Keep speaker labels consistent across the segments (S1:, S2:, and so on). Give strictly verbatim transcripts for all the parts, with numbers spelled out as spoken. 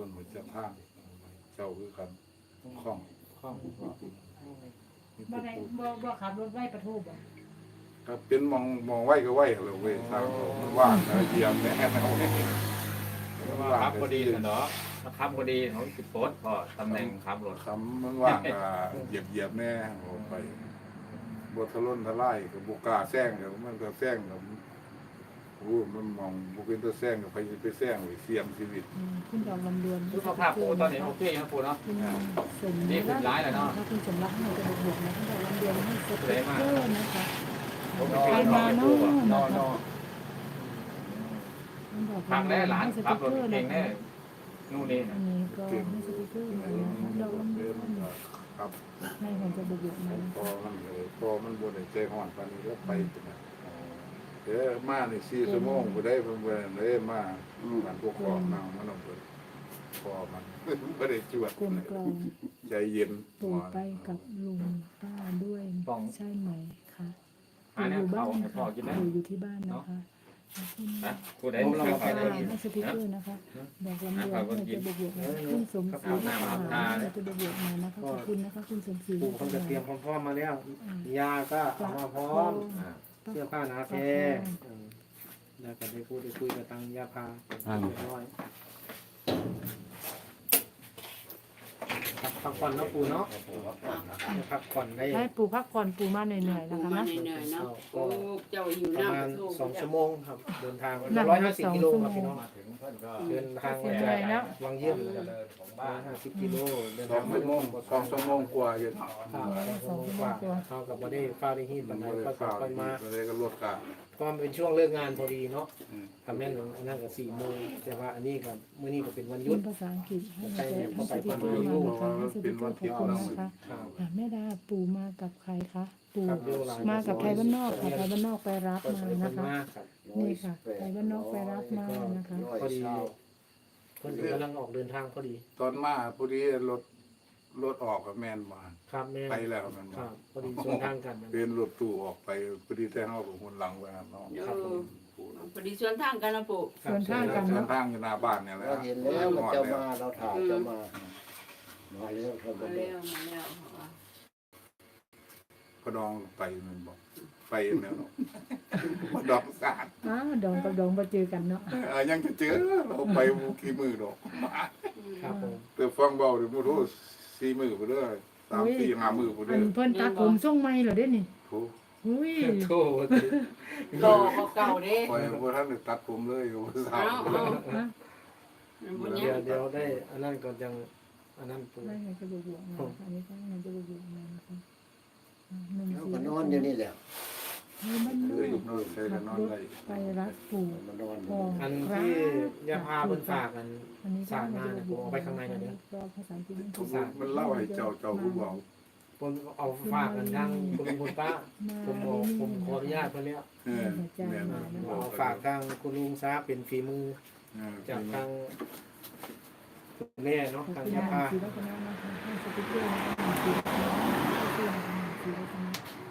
S1: คนหัวจะทางเจ้าคือกันคล่องคล่อง
S2: บ่ได้บ่บ่ขับรถไว้ประทูบ่
S1: ครับเป็นมองมองไว้ก็ไว้เลยเว้ยทางมันว่างนะเยี่ยมแน่เอา
S3: ครับพอดีเนาะครับพอดีเขาสิโพสพอตำแหน่งขับรถ
S1: คำมันว่างก็เหยียบเหยียบแน่ออกไปบททะล้นทะไล่กับบุกาแซงเดี๋ยวมันก็แซงกับโอ้มันมองบุกินตัวแซงกับไปไปแซงเสียมชีวิต
S2: คุณดอกลำดวน
S3: สุขภาพปูตอนนี้โอเคครับปูเนาะ
S2: คุณสม
S3: นี่คือร้ายแล้วเนาะ
S2: ถ้าคุณสมรักให้จะบวกนะคุณดอกลำดวนให้สติ๊กเกอร์นะคะ
S3: ผม
S2: ใครมาเนาะ
S3: นอนนอน
S2: คุณดอก
S3: พัง
S2: ลำด
S3: แน่
S2: วน
S3: หลาน
S2: ให้ส
S3: ขั
S2: ติ๊
S3: บ
S2: ก
S3: ร
S2: เก
S3: ถ
S2: อร์
S3: เก่
S2: นะ
S3: ง
S2: คะ
S3: แน่นู่นนี่
S2: อันนี้ก็ให้สติ๊กเกอร์นะคะดอกลำดวน
S1: ครับ
S2: ให้ผมจะบวกนะ
S1: พอมันเลยพอมันบนใจห่อนปานนี้แล้วไปนะเดี๋ยวมาในสี่ชั่วโมงก็ได้เพิ่นเพิ่นเลยมามันพวกคอนั่งมันเอาเพิ่นพอมันบ่ได้จวด
S2: กลมกลอง
S1: ใจเย็น
S2: ปู่ไปกับลุงป้าด้วยใช่ไหมคะ
S3: อัน
S2: อ
S3: นี้
S2: ยู่บ้า
S3: เขา
S2: น
S3: ให้
S2: นะ
S3: พ่อ
S2: คะ
S3: กินได้
S2: อยู่อยู่ที่บ้านนะคะ
S3: นะผู้ใด
S2: เรา
S3: ข้าว
S2: ไป
S3: ไข่
S2: ให้สติ๊กเกอร์นะคะบอกลำดวนเราจะบวกบวกนะคุณสมศรีนะคะเราจะบวกบวกมานะคะขอบคุณนะคะคุณสมศรี
S4: ปู่เขาจะเตรียมพร้อมๆมาแล้ว ยาก็เอามาพร้อม เสื้อผ้าหนาแพงแล้วก็ได้พูดได้คุยกับทางยาพาเรียบร้อยพักผ่อนเนาะปู่เนาะพักผ่อนได้
S2: ให้ปู่พักผ่อนปู่มาเหนื่อยๆ
S5: ปู
S2: นะคะ
S5: มา
S2: นะ
S5: เหนื่อยๆเนาะ
S4: ก็
S5: ปูเจ้าหิว
S4: ประ
S5: น้ำ
S4: มาณ
S5: กระทู้
S4: สองชั่วโมงครับ เดินทาง
S2: นั่ง
S4: ร้อยห้าสิบ
S2: สอง
S4: กิโล
S2: ชั่วโม
S4: ครับ
S2: ง
S4: พี่น้อง
S3: มาถึงเพิ่นก็
S4: เดินทาง
S2: เหนื่อยแล้ว
S4: วังเยี่ยม
S3: เจริญของ
S4: ร้
S3: บ้า
S4: อย
S3: น
S4: ห้าสิบกิโลเดิน
S1: สอ
S4: ทาง ง
S1: ชั่วโมงสองชั่วโมงกว่าอยู่
S4: ครับสองชั่วโมงกว่าเขากับบ่ได้ฟ้าได้ฮีด
S1: มั
S4: ปั
S1: น
S4: นได
S1: บ่ได้
S4: ก็
S1: ข้าว
S4: ค่อยมา
S1: ก็เลยก็ลดกะ
S4: ก็มันเป็นช่วงเลิกงานพอดีเนาะทำแม่นอันนั้นก็สี่โมงแต่ว่าอันนี้กับมื้อนี้ก็เป็นวันหยุ
S2: คุ
S4: ด
S2: ณภาษาอังกฤษให้สติ๊กเกอร์มานะคะให้สติ๊กเกอร์ขอบคุณนะคะ
S4: ครับ
S2: แม่ดาปู่มากับใครคะปู่
S4: ครับเดี๋ยวหลาย
S2: มากับไทยบ้านนอกค่ะไทยบ้านนอกไปรับ
S4: ก็
S2: มา
S4: ใช้ค
S2: นะ
S4: น
S2: คะ
S4: มากครับ
S2: นี่ค่ะไทยบ้านนอกไปรับมานะคะ
S4: พอดีคนกำลังออกเดินทางพอดี
S1: ตอนมาพอดีรถรถออกกับแม่นมา
S4: ครับแม่
S1: ไปแล้วแม่น
S4: ค
S1: มา
S4: รับพอดีส่วนทางกัน
S1: เดินรถตู้ออกไปพอดีแต่เฮากับคนหลังไปหาน้อง
S5: เอ
S1: ครับ
S5: อ
S1: ผม
S5: พอดีส่วนทางกันนะปู
S2: ส่วนทางกัน
S1: เดิ
S2: เนาะ
S1: นทางอยู่หน้าบ้านเนี่ยแหละ
S6: เราเห็นแล้วมันจะมาเราถ่ายจะมามาแล้วครับ
S5: มาแล้วมาแล้ว
S1: ก็ดองไปมันบอกไปแนวเนาะมาดองสาด
S2: อ้าวดองกับดองมาเจอกันเนาะ
S1: เออยังจะเจอเราไปบ่กี่มือดอก
S4: ครับผม
S1: แต่ฟังเบาเดี๋ยวบ่รู้สี่มือบ่เด้อสามสี่ห้ามือบ่
S2: อั
S1: เด้อน
S2: เพิ่นตัดผมทรงใหม่เหรอเด้นี่
S1: โอ้
S2: หุ้ย
S4: โทษ
S5: รอเก่าๆเด้
S1: ปล่อยบ่ทันได้ตัดผมเลยโอ้สา
S5: เอา
S1: ว
S5: เอา
S2: ฮะ
S5: บุญ
S4: เดี๋
S5: ยั
S4: ยว
S5: ง
S4: เดี๋ยวได้อันนั้นก่อนยังอันนั้นปู
S2: ได้ไงจะบวกมาอันนี้ก็มันจะบวกมานะคะหนึ่ง
S6: เรา
S2: สี่
S6: ก็นอนอยู่นี่แหละ
S2: ให้มันน
S1: เคยนอนใช้กันนอน
S2: รถ
S1: ได้
S2: ไปรับปู่
S6: มานอน
S2: พอ
S4: อันที่ยาพาเพิ่นฝากกัน
S2: อันนี้ก็
S4: สาดมาเนี่ยผมเอาไปข้างในหน่อยเด้อ
S2: ก็ภาษาอังกฤษ
S1: ทุกมันเล่าให้เจ้าเจ้าผู้เว้า
S4: ผมเอาฝากกันทางคุณลุงคุณป้าผมบอกผมขออนุญาตเพิ่นแล้ว
S1: เออแม่น
S4: เอาฝากทางคุณลุงซาเป็นฝีมือ
S1: เออ
S4: จากทางคุณแม่เนาะ
S2: ขอบ
S4: ทาง
S2: คุณ
S4: ยาพา
S2: สีรัตนานะคะให้สติ๊กเกอร์นะคะสีรัตนาสีรัตนา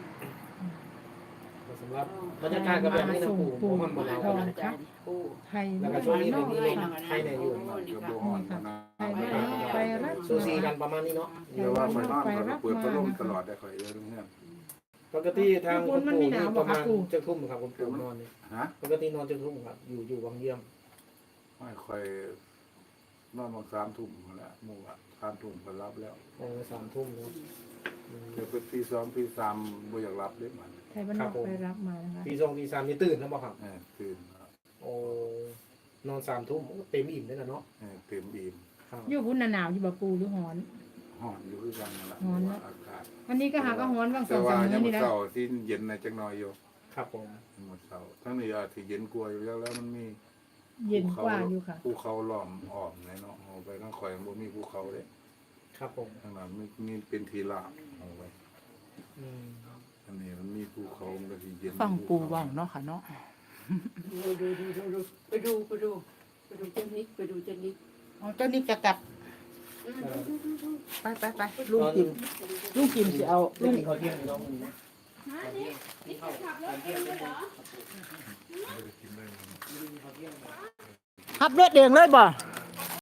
S4: สำหรับบรรยากาศก็แบบนี้นะปู่ผมมันบ่หนาว
S2: ทอง
S4: นะ
S2: ค่ะ
S5: ปู
S2: ไทย
S4: แล้ว
S2: บ้า
S4: ก็ช่วงนี้
S2: นน
S4: เรา
S2: อก
S4: มีลม
S2: ค่ะ
S4: ให้ในอยู่
S1: ก็บ่ฮ้อนนะ
S2: ไทยบ้านนอกไปรับ
S4: ซูซีกันประมาณนี้เนาะ
S1: เดี๋ยวว่าไปนอนก็เปิดพัดลมตลอดได้ข่อยเด้อเพื่อน
S4: ปกติทางคุณปู่นี่ประมาณจะทุ่มครับคุณปู่นอนนี่
S1: ฮะ
S4: ปกตินอนจะทุ่มครับ อยู่อยู่วังเยี่ยม
S1: ไม่ค่อยนอนมาสามทุ่มแล้วหมู่อ่ะสามทุ่มก็รับแล้ว
S4: เออสามทุ่มเนาะ
S1: เดี๋ยวเป็นตีสองตีสามบ่อยากรับเลยมัน
S2: ไทยบ้านนอกไปรับมานะคะ
S4: ตีสองตีสามนี่ตื่นแล้วบ่ครับ
S1: เออตื่นแล้ว
S4: โอ้นอนสามทุ่มเต็มอิ่มเลยนะเนาะ
S1: เออเต็มอิ่ม
S4: ครับ
S2: อยู่พุ่นหนาวอยู่บ่ปูหรือหอน
S1: ฮ้อนอยู่คือกันนั่นแหละ
S2: ฮ้อนนะ
S1: อากาศ
S2: วันนี้ก็หาก็หอนบางส
S1: แต่
S2: อง
S1: ว่า
S2: สาม
S1: ยั
S2: มื้อง นี่นะ
S1: เช้าที่เย็นในจักหน่อยอยู่
S4: ครับผม
S1: หมดเช้าทั้งนี้อาจสิเย็นกว่าอยู่แล้วแล้วมันมี
S2: เย็นกว่าอยู่ค่ะ
S1: ภูเขาล้อมอ้อมในเนาะเอาไปทางข่อยบ่มีภูเขาเด้
S4: ครับผม
S1: ทางนั้นมีมีเป็นทีราบเอาไว้
S4: อืม
S1: อันนี้มันมีภูเขามันก็สิเย็น
S7: ฟังปูเว่าเนาะค่ะเนาะ
S5: ดูดูดูดูดูไปดูไปดูไปดูเจนิกไปดูเจนิก
S7: เอาเจ้านี่จะกลับ
S5: อืมดูดูดูดู
S7: ไปไปไปลุงกิมลุงกิมสิเอา
S4: ลุ
S7: ลุ
S4: ง
S7: ง
S4: กินข้าวเที่ยงอยู่เนาะมื้อนี้
S5: ฮะนี่นี่ขับรถเองเลยเหรอ
S1: ไม่ได้กินได้
S7: ขับรถเองเลยบ่
S5: เ